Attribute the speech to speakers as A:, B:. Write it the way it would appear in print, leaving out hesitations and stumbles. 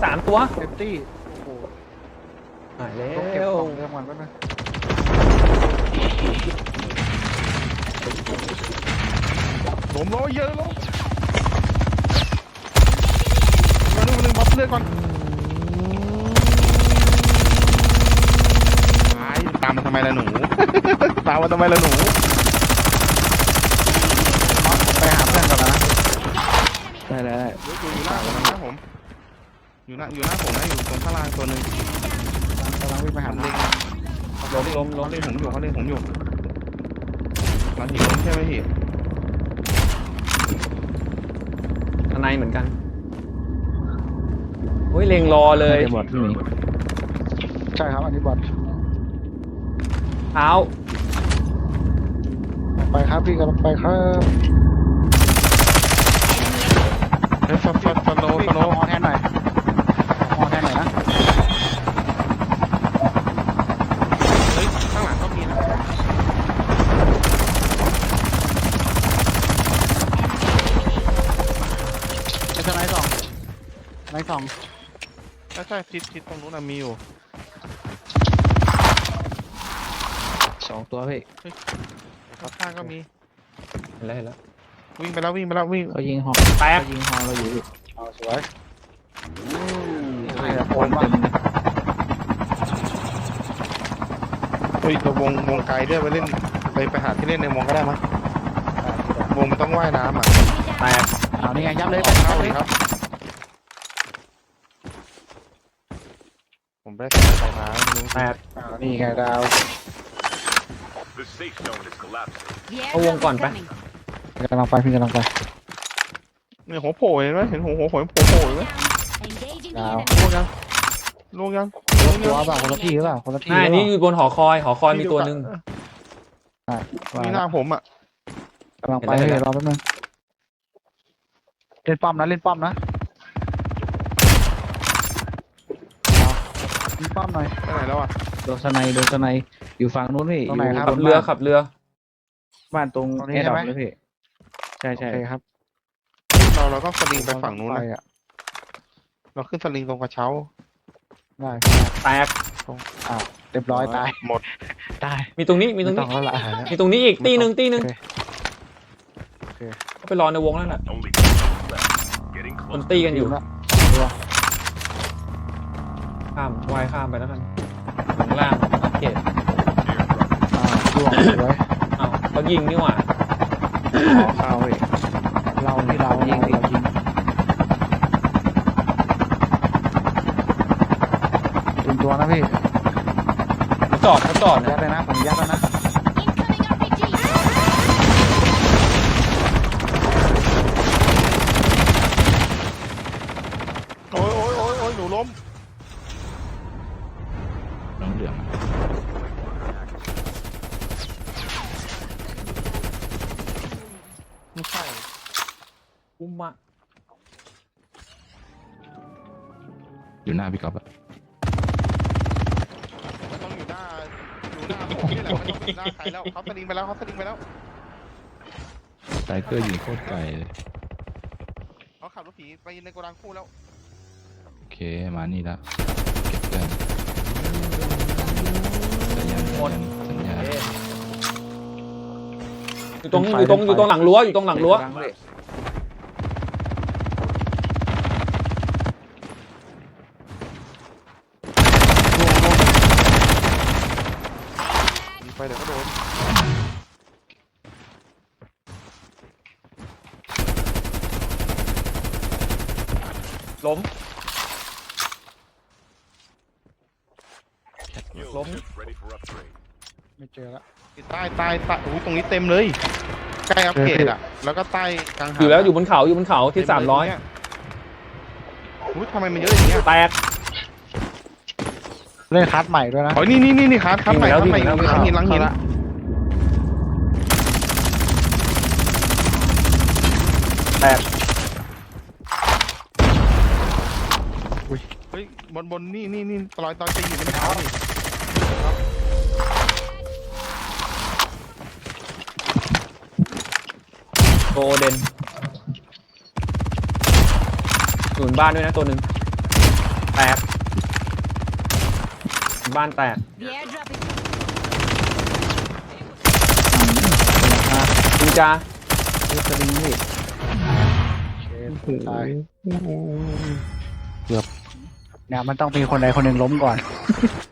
A: 3 ตัว
B: เต็มที่โอ้โห
A: หายแล้
B: ต้องเก็บ
A: ว
B: กล่องเรื่องมันก็นะล้มล้อเยอะล้มมาดูหนึ่งบัฟเลือดก่อนตามมาทำไมล่ะหนู ตามมาทำไมล่ะหนูไปหาเพื่อนก่อนนะได้อยู่หน้าผมนะผมอยู่หน้าผมนะอยู่ตรงข้างล่างตัวหนึ่งกำลังวิ่งไปหาเล็งล้มเขาเล่นผมอยู่หลังหินล้มใช่ไหมพี่
A: ข้างในเหมือนกันโอ้ยเล็งรอเลย
C: บอดที่นี่
B: ใช่ครับอันนี้บอท
A: เท้า
B: ไปครับพี่กำลังไปครับเฮ้ยสโนมอแทนหน่อยมอแทนหน่อยนะเฮ้ยข้างหลังก็มีนะไอ้สไนด์สองใช่ทิศตรงนู้นมีอยู่
C: 2 ตัวพี่
B: ข้างก็มี
A: เห็นแล้ว
B: วิ่งไปแล้ววิ่ง
C: เขายิงหอ
A: แตก
C: เขายิงหอเราอยู่พี่
B: เอาสวยใช่ครับ
C: โอนเต็มเลย
B: เฮ้ยตัววงไกลด้วยไปเล่นไปหาที่เล่นในวงก็ได้มั้ยวงมันต้องว่ายน้ำอ่ะ
A: แตก
C: เอานี่ไงยับเลย
B: เข้าเลยครับผมได้ใส่รองเท้าไม่รู้
A: แตก
B: นี่ไงดาว
D: The safe zone is collapsing.
A: เอาวงก่อนไป
B: กำลังไปพี่กำลังไปเนี่ยหัวโผล่เห็นไหมเห็นหัวโผล่เห็นไหม
E: Engaging the
B: ดาว
E: enemy.
B: ลูกยัง
C: ตัวเปล่าคนละที่หรือเปล่าคนละที่
A: อันนี้อยู่บนหอคอยมีตัวหนึ่ง
B: มีหน้าผมอ่ะ
C: กำลังไป
A: เห็น
C: พี่
A: แล้ว
C: รอแป๊บนึงเล่นป้อมนะเล่นป้อมนะเล่นป้อมหน่อย
B: ไปไหนแล้วอ่ะ
C: โดนสไนอยู่ฝั่งนู้นพี่
B: ตรงไหนครับ
A: ขับเรือขับเรือ
C: บ้านตรง
B: ตรงนี้
C: แอร์ดรอป
B: ใช่ไหม
C: เลยพี่ใช่
B: โอเคครับเราก็สลิงไปฝั่งนู้นนะเราขึ้นสลิงตรงกระเช้าได้
A: แตก
B: เรียบร้อยตายหมด
C: ได้
A: มีตรงนี้
B: ไม่ต้องแล้วล่ะ
A: มีตรงนี้อีกตีหนึ่ง
B: โอเค
A: ก็ไปรอในวงนั่นแหละ
D: Only 2 left. Getting
A: มัน
D: close.
A: ตีกันอยู่
B: ละ
A: ข้ามว่ายข้ามไปแล้วกันถึงล่างอัปเกรด
D: Airdrop.
B: ร่วงสวย
A: อ้าวเขายิงนี่หว่า
B: ขอข้าวอีกเราที่เรายิงถึงตัวนะพี่
A: เขาจอด
B: ยัดเลยนะผมยัดแล้วนะ
E: Incoming RPG.
B: โอ้ยหนูล้ม
C: น้องเหลือง
B: ไม่ใช่
A: อุ้มอะ
C: อยู่หน้าพี่ก๊อฟอะ
B: มันต้องอยู่หน้าผมนี่แหละไม่ต้องอยู่หน้าใครแล้วเขาสลิงไปแล้ว
C: ไทเกอร์ยิงโคตรไกลเลย
B: เขาขับรถผีไปในโกดังคู่แล้ว
C: โอเคมานี่ละเก็บเพื่อนสัญญาณ
A: อยู่ตรงหลังรั้วอยู่ตรงหลังรั้ว
B: ไปเดี๋ยวก็โดน
A: ล้ม
D: New
A: Lốm.
D: ship ready for upgrade.
B: ไม่เจอละใต้โอ้ยตรงนี้เต็มเลยใกล้อัปเกรดอ่ะแล้วก็ใต้กลางหาด
A: อยู่บนเขาที่300
B: อุ้ยทำไมมันเยอะอย่างเงี้ย
A: แตก
B: เล่นคัสใหม่ด้วยนะอ๋อนี่คัสใหม่
A: วิ่งไปแล้ว
B: หลังหิน
A: แตก
B: เฮ้ยบนนี่รอยตอนตีอยู่ในเท้านี่
A: โกเดนหนุนบ้านด้วยนะตัวหนึ่งแตกบ้านแตก
E: The airdrop is
A: จิงจา
C: ดูสลิงนี่ตายเนี่ยมันต้องมีคนใดคนหนึ่งล้มก่อน